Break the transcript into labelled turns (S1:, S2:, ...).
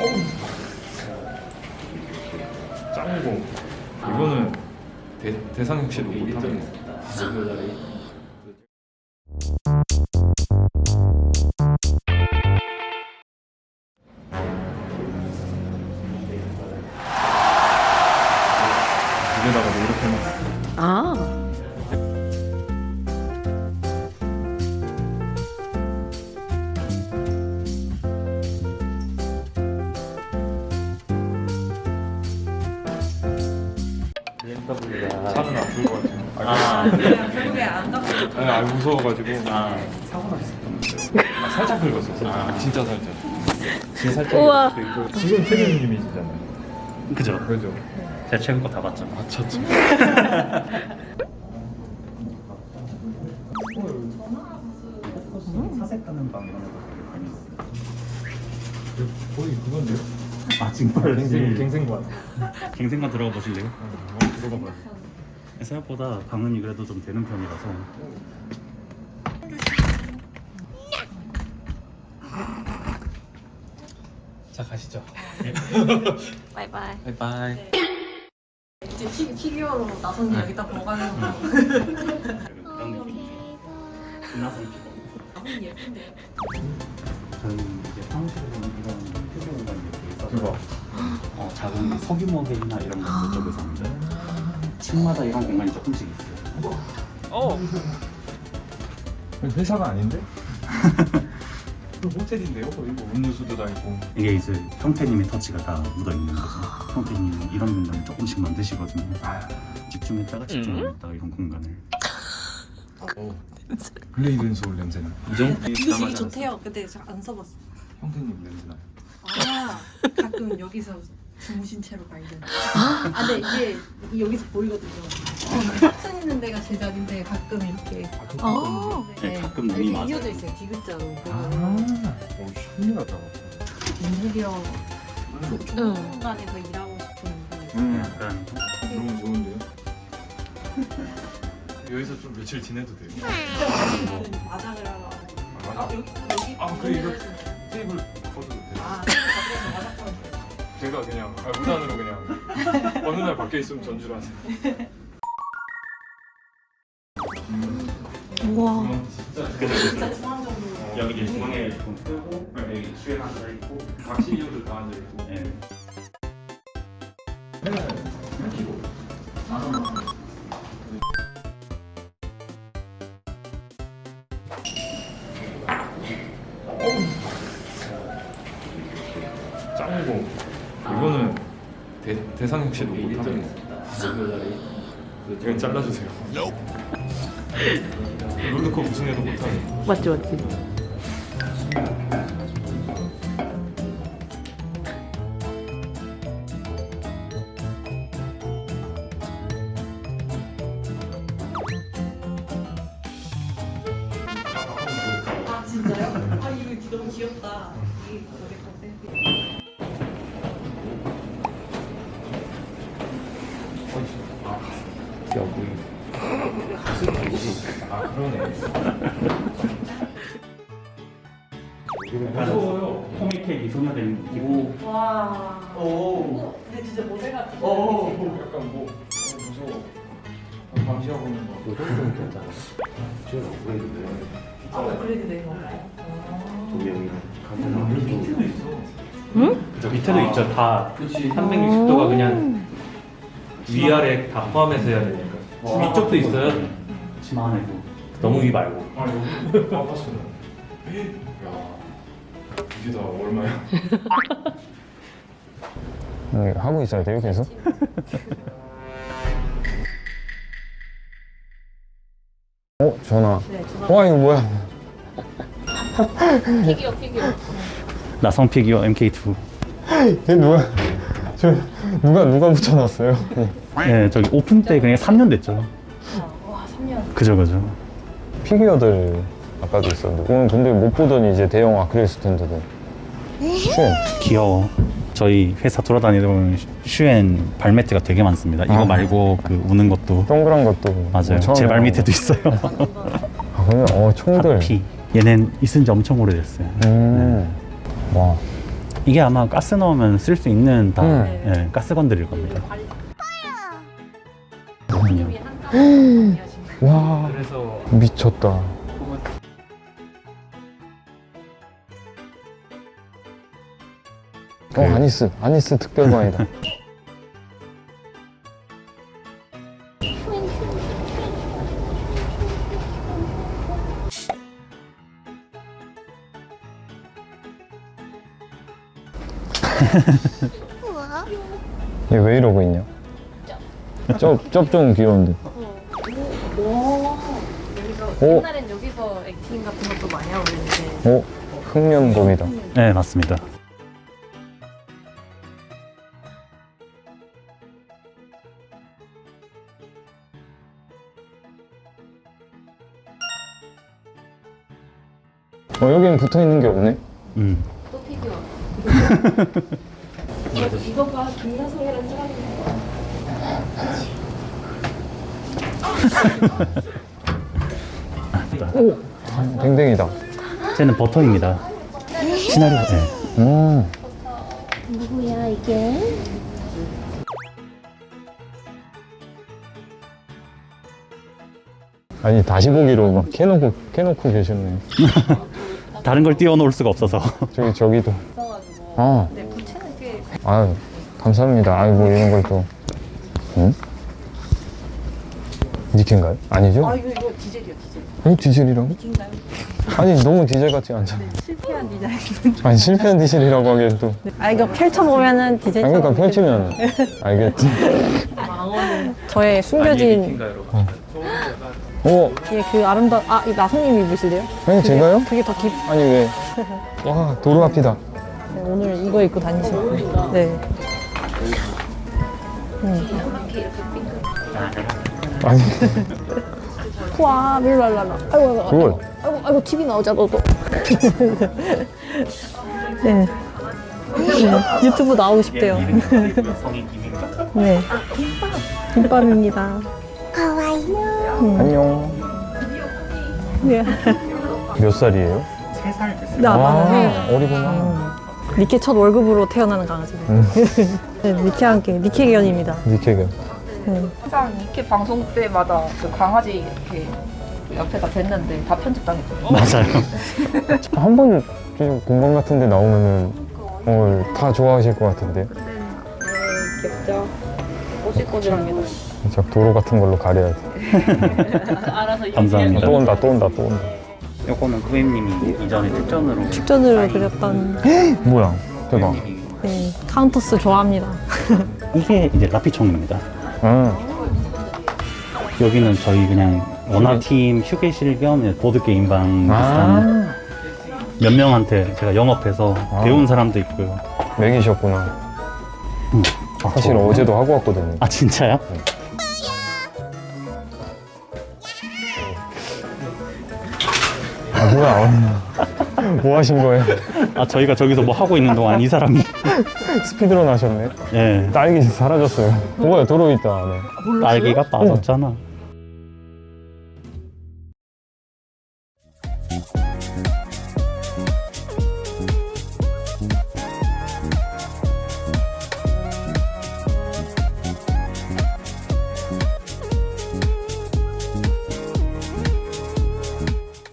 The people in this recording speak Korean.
S1: 짱구. 이거는 대상형 씨도 못하겠네. 입에다가 이렇게 해놨어.
S2: 아.
S1: 차는 안 풀 것 같아.
S3: 결국에 안 갖고
S1: 아니 무서워가지고. 사고 났어. 살짝 긁었어. 진짜 살짝. 진짜 살짝.
S2: 우와.
S1: 지금 태균님이시잖아요.
S4: 그죠?
S1: 그죠?
S4: 제가 최근 거 다 봤죠.
S1: 맞췄죠.
S4: 사색하는 방 이런 것도 많이 있어요.
S1: 거의 그건데요?
S4: 아 정말
S1: 갱생관.
S4: 갱생관 들어가 보실래요?
S1: 들어가 봐요.
S4: 생각보다 방음이 그래도 좀 되는 편이라서.
S1: 자 가시죠.
S2: 바이바이.
S1: 바이바이.
S3: 이제 피규어로 나선이 여기다 보관하는 거
S4: 그런 느낌. 빛나서
S3: 너무 예쁜데요?
S4: 저는 이제 사무실에서는 이런 휴게 공간이 이렇게 있어서
S1: 대박.
S4: 작은 소규모 회의나 이런 것들 쪽에서 하는데 층마다 이런 공간이 조금씩 있어요.
S1: 회사가 아닌데? 호텔인데요? 거의 뭐 음료수도 다 있고.
S4: 이게 이제 형태님의 터치가 다 묻어 있는 거죠. 형태님은 이런 공간을 조금씩 만드시거든요. 집중했다가 집중했다가 이런 공간을.
S1: 블레이드 앤 소울 냄새나.
S3: 이거 되게 좋대요. 근데 잘 안 써봤어.
S1: 형태님 냄새나.
S3: 아 가끔 여기서 주무신 채로 발견. 아 근데 이게 여기서 보이거든요. 탑승 있는 데가 제 자리인데 가끔 이렇게
S4: 네, 가끔 눈이
S3: 이렇게
S4: 맞아요.
S3: 이어져 있어요. 디귿자로.
S1: 오 신기하다.
S3: 인테리어
S2: 응.
S3: 공간에서 일하고 싶은
S4: 약간
S1: 너무 좋은데요? 여기서 좀 며칠 지내도 돼요?
S3: 마장을 하러.
S1: 아,
S3: 여기
S1: 그래 이거 테이블 걷어도 돼요?
S3: 아 마장
S1: 제가 그냥 무단으로 그냥 어느 날 밖에 있으면 전주를 하세요.
S2: 우와.
S3: 진짜 중앙적으로.
S4: 여기 이제 중앙에 좀 뜨고 여기 수행 앉아 있고.
S1: 각 CEO들 다 앉아 있고.
S4: 네.
S1: 짱구. 이거는 대상형 씨도 못하겠네. 이건 잘라주세요. 롤드컵 우승해도 못하네.
S2: 맞지 맞지.
S3: 아 진짜요? 아 이거 너무 귀엽다. 이게 저게 컨셉이.
S1: 여기. 아 그러네. 무서워요.
S4: 코믹의 미소녀된 느낌.
S3: 와.
S4: 오.
S3: 근데 진짜 모델 같은.
S1: 약간 뭐 무서워. 감시하고 있는 거.
S5: 그 정도는 괜찮아. 지금 업그레이드돼.
S3: 아 업그레이드 된 건가요?
S5: 조명이
S1: 밑에도 있어.
S2: 응?
S4: 그죠, 밑에도 있죠. 다
S5: 그렇지.
S4: 360도가 그냥 위아래 다 포함해서 해야 되니까. 위쪽도 있어요. 치마 안에도. 너무 위 말고.
S1: 아 여기. 아 봤어. 야 이게 다 얼마야?
S6: 하고 있어야 돼요, 계속? 전화.
S3: 네 전화.
S6: 와, 이거 뭐야?
S3: 피규어.
S4: 나성 피규어 MK2.
S6: 이게 누가, 누가 붙여놨어요?
S4: 네, 저기 오픈 때 그냥 3년 됐죠.
S3: 와 3년.
S4: 그죠.
S6: 피규어들 아까도 있었는데. 오늘 근데 못 보던 이제 대형 아크릴 스탠드도. 슈엔.
S4: 귀여워. 저희 회사 돌아다니다 보면 슈엔 발매트가 되게 많습니다. 이거
S6: 아.
S4: 말고 그 우는 것도
S6: 동그란 것도.
S4: 맞아요.
S6: 처음에
S4: 제 발 밑에도 있어요.
S6: 아, 그러면, 총들.
S4: 하피. 얘는 있은 지 엄청 오래됐어요.
S6: 와.
S7: 이게 아마 가스 넣으면 쓸 수 있는 다
S6: 네.
S7: 예, 가스 건드릴 겁니다.
S6: 와
S1: 그래서
S6: 미쳤다. 아니스 특별반이다. 얘 왜 이러고 있냐? 쩝좀 귀여운데. 오.
S2: 옛날엔 여기서 액팅 같은 것도 많이 하고 있는데
S6: 오, 흑면곰이다.
S7: 네, 맞습니다.
S6: 여기는 붙어 있는 게 없네.
S2: 또 피규어. 이거 봐, 김나성이라는 사람이.
S6: 오, 댕댕이다.
S7: 쟤는 버터입니다. 시나리오. 네.
S2: 누구야 이게?
S6: 아니 다시 보기로 막 캐놓고 계셨네.
S7: 다른 걸 띄워놓을 수가 없어서.
S6: 저기도.
S2: 있어가지고.
S6: 아,
S2: 네, 부채는 꽤.
S6: 아유 감사합니다. 아유 뭐 이런 걸 또. 응? 니켄가요? 아니죠?
S3: 아 이거 디젤이요 디젤.
S6: 디젤이라고?
S3: 디젤인가요?
S6: 아니 너무 디젤 같지 않잖아.
S3: 실패한 디자인.
S6: 아니 실패한 디젤이라고 하기엔 또.
S3: 아 이거 펼쳐보면은 디젤.
S6: 아니 그러니까 펼치면 알겠지.
S3: 저의 숨겨진
S1: 핑가로
S6: 오,
S3: 뒤에 그 아름다운 이 나성님 입으실래요?
S6: 아니 제가요?
S3: 그게 더 깊.
S6: 아니 왜? 와 도로 앞이다.
S3: 네, 오늘 이거 입고 다니시고. 네.
S6: 아니
S3: 와 룰랄랄라. 아이고
S6: 그걸.
S3: 아이고 TV 나오자 너도. 네. 네. 유튜브 나오고 싶대요.
S7: 성이 김인가?
S3: 네. 김밥입니다.
S6: 안녕.
S3: 네.
S6: 몇 살이에요?
S7: 3살 됐어요.
S3: 나 많아요.
S6: 어리구나.
S3: 니케 첫 월급으로 태어나는 강아지. 네, 니케와 함께 니케견입니다.
S6: 니케가.
S3: 네.
S8: 항상 니케 방송 때마다 그 강아지 이렇게 옆에다 댔는데 다 편집당했거든요.
S7: 맞아요.
S6: 한 번 공방 같은 데 나오면은 다 좋아하실 것 같은데.
S8: 귀엽죠? 꼬질꼬질합니다.
S6: 진짜 도로 같은 걸로 가려야 돼.
S7: 감사합니다.
S6: 또 온다.
S7: 요거는 후임님이 이전에 특전으로
S3: 축전으로 그렸던
S6: 뭐야? 대박.
S3: 네, 카운터스 좋아합니다.
S7: 이게 이제 라피총입니다.
S6: 아,
S7: 여기는 저희 그냥 원화팀 휴게실 겸 보드게임방 비슷한 몇 명한테 제가 영업해서 배운 사람도 있고요.
S6: 맥이셨구나. 사실
S7: 저거.
S6: 어제도 하고 왔거든요.
S7: 아 진짜요?
S6: 아 뭐야? 뭐 하신 거예요?
S7: 아 저희가 저기서 뭐 하고 있는 동안 이 사람이
S6: 스피드런 하셨네.
S7: 예
S6: 딸기 사라졌어요. 뭐야 도로 있다 안에.
S7: 딸기가 빠졌잖아.